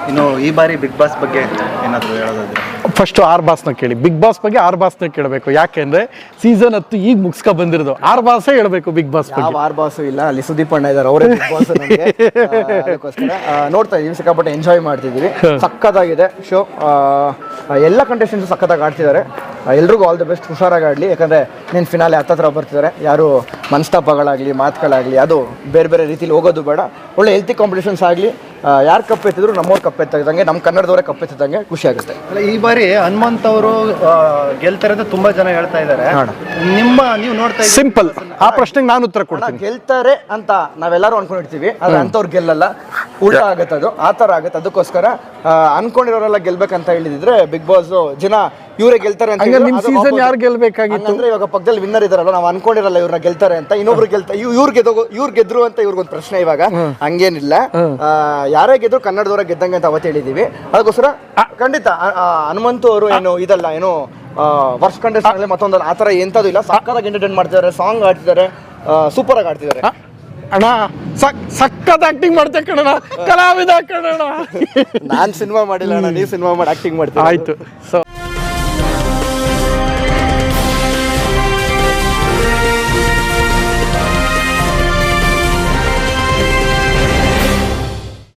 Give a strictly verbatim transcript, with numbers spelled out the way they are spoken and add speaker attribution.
Speaker 1: ಇನ್ನು ಈ ಬಾರಿ ಬಿಗ್ ಬಾಸ್ ಬಗ್ಗೆ ಏನಾದರೂ ಹೇಳೋದಾದ್ರೆ?
Speaker 2: ಫಸ್ಟ್ ಆರ್ ಬಾಸ್ನ ಕೇಳಿ. ಬಿಗ್ ಬಾಸ್ ಬಗ್ಗೆ ಆರ್ ಬಾಸ್ನ ಕೇಳಬೇಕು. ಯಾಕೆಂದ್ರೆ ಸೀಸನ್ ಹತ್ತು ಈಗ ಮುಗಿಸ್ಕೊ ಬಂದಿರೋದು. ಆರ್ ಬಾಸೇ ಹೇಳ್ಬೇಕು ಬಿಗ್ ಬಾಸ್ ಬಗ್ಗೆ.
Speaker 3: ಯಾವ ಆರ್ ಬಾಸು ಇಲ್ಲ, ಅಲ್ಲಿ ಸುದೀಪ್ ಅಣ್ಣ ಇದ್ದಾರೆ, ಅವರೇ ಬಿಗ್ ಬಾಸ್ ನಮಗೆ. ಅದಕ್ಕೋಸ್ಕರ ನೋಡ್ತಾ ಇದೀವಿ, ಸಿಕ್ಕಾಪಟ್ಟೆ ಎಂಜಾಯ್ ಮಾಡ್ತಿದ್ದೀವಿ. ಸಖತ್ತಾಗಿದೆ ಶೋ. ಎಲ್ಲ ಕಂಟೆಸ್ಟೆಂಟ್ಸ್ ಸಖತ್ತಾಗಿ ಆಡ್ತಿದ್ದಾರೆ. ಎಲ್ರಿಗೂ ಆಲ್ ದಿ ಬೆಸ್ಟ್, ಹುಷಾರಾಗಿ ಆಡಲಿ. ಯಾಕಂದರೆ ನೀನು ಫಿನಾಲೆ ಹತ್ತತ್ರ ಬರ್ತಿದ್ದಾರೆ. ಯಾರು ಮನಸ್ತಾಪಗಳಾಗಲಿ ಮಾತುಗಳಾಗಲಿ ಅದು ಬೇರೆ ಬೇರೆ ರೀತಿಲಿ ಹೋಗೋದು ಬೇಡ. ಒಳ್ಳೆ ಹೆಲ್ತಿ ಕಾಂಪಿಟೇಷನ್ಸ್ ಆಗಲಿ. ಯಾರು ಕಪ್ಪೆತ್ತಿದ್ರು ನಮ್ಮವ್ರು ಕಪ್ಪೆತ್ತಿದಂಗೆ, ನಮ್ಮ ಕನ್ನಡದವರೇ ಕಪ್ಪೆತ್ತಿದಂಗೆ ಖುಷಿ ಆಗುತ್ತೆ.
Speaker 1: ಅಲ್ಲ, ಈ ಬಾರಿ ಹನುಮಂತ್ ಅವರು ಗೆಲ್ತಾರೆ ಅಂತ ತುಂಬಾ ಜನ ಹೇಳ್ತಾ ಇದ್ದಾರೆ. ನಿಮ್ಮ ನೀವು ನೋಡ್ತಾ ಇದ್ದೀರಿ?
Speaker 2: ಸಿಂಪಲ್, ಆ ಪ್ರಶ್ನೆಗೆ ನಾನು ಉತ್ತರ ಕೊಡ್ತೀನಿ.
Speaker 3: ಗೆಲ್ತಾರೆ ಅಂತ ನಾವೆಲ್ಲರೂ ಅನ್ಕೊಂಡಿರ್ತೀವಿ, ಆದ್ರೆ ಅಂಥವ್ರು ಗೆಲ್ಲಲ್ಲ, ಉಲ್ಟಾ ಆಗುತ್ತೆ. ಅದು ಆ ಥರ ಆಗುತ್ತೆ. ಅದಕ್ಕೋಸ್ಕರ ಅನ್ಕೊಂಡಿರೋರೆಲ್ಲ ಗೆಲ್ಬೇಕಂತ ಹೇಳಿದ್ರೆ ಬಿಗ್ ಬಾಸ್ ಜನ ಇವರೇ ಗೆಲ್ತಾರೆ ಅಂತ.
Speaker 2: ನಿಮ್ ಸೀಸನ್ ಯಾರು ಗೆಲ್ಬೇಕಾಗಿತ್ತು
Speaker 3: ಅಂದ್ರೆ ಇವಾಗ ಪಕ್ಕದಲ್ಲಿ ವಿನ್ನರ್ ಇದಾರಲ್ಲ, ನಾವು ಅನ್ಕೊಂಡಿರಲ್ಲ ಇವ್ರನ್ನ ಗೆಲ್ತಾರೆ ಅಂತ, ಇನ್ನೊಬ್ರು ಗೆಲ್ತಾರೆ, ಇವ್ರು ಗೆದ್ದೋಗೋ ಇವ್ರು ಗೆದ್ರು ಅಂತ ಇವ್ರಿಗೊಂದು ಪ್ರಶ್ನೆ. ಇವಾಗ ಹಂಗೇನಿಲ್ಲ, ಯಾರೇ ಗೆದ್ರು ಕನ್ನಡದವರ ಗೆದ್ದಂಗೆ ಅಂತ ಅವತ್ತು ಹೇಳಿದೀವಿ. ಅದಕ್ಕೋಸ್ಕರ ಖಂಡಿತ ಹನುಮಂತು ಅವರು ಏನು ಇದಲ್ಲ, ಏನು ವರ್ಷ ಕಂಟೆಸ್ಟ್ ಆಗಲಿ ಮತ್ತೊಂದಲ್ಲ, ಆ ಥರ ಎಂಥದ್ದು ಇಲ್ಲ. ಸಕ್ಕತ್ತಾಗಿ ಎಂಟರ್ಟೈನ್ ಮಾಡ್ತಿದ್ದಾರೆ, ಸಾಂಗ್ ಆಡ್ತಿದ್ದಾರೆ, ಸೂಪರ್ ಆಗಿ ಆಡ್ತಿದ್ದಾರೆ.
Speaker 2: ಅಣ್ಣ ಸಕ್ಕತ್ ಆಕ್ಟಿಂಗ್ ಮಾಡ್ತೆ ಕಣಣ, ಕಲಾವಿದ ಕಣಣ.
Speaker 3: ನಾನ್ ಸಿನಿಮಾ ಮಾಡಿಲ್ಲ ಅಣ್ಣ, ನೀವು ಸಿನಿಮಾ ಮಾಡಿ ಆಕ್ಟಿಂಗ್ ಮಾಡ್ತೀವಿ.
Speaker 2: ಆಯ್ತು. ಸೊ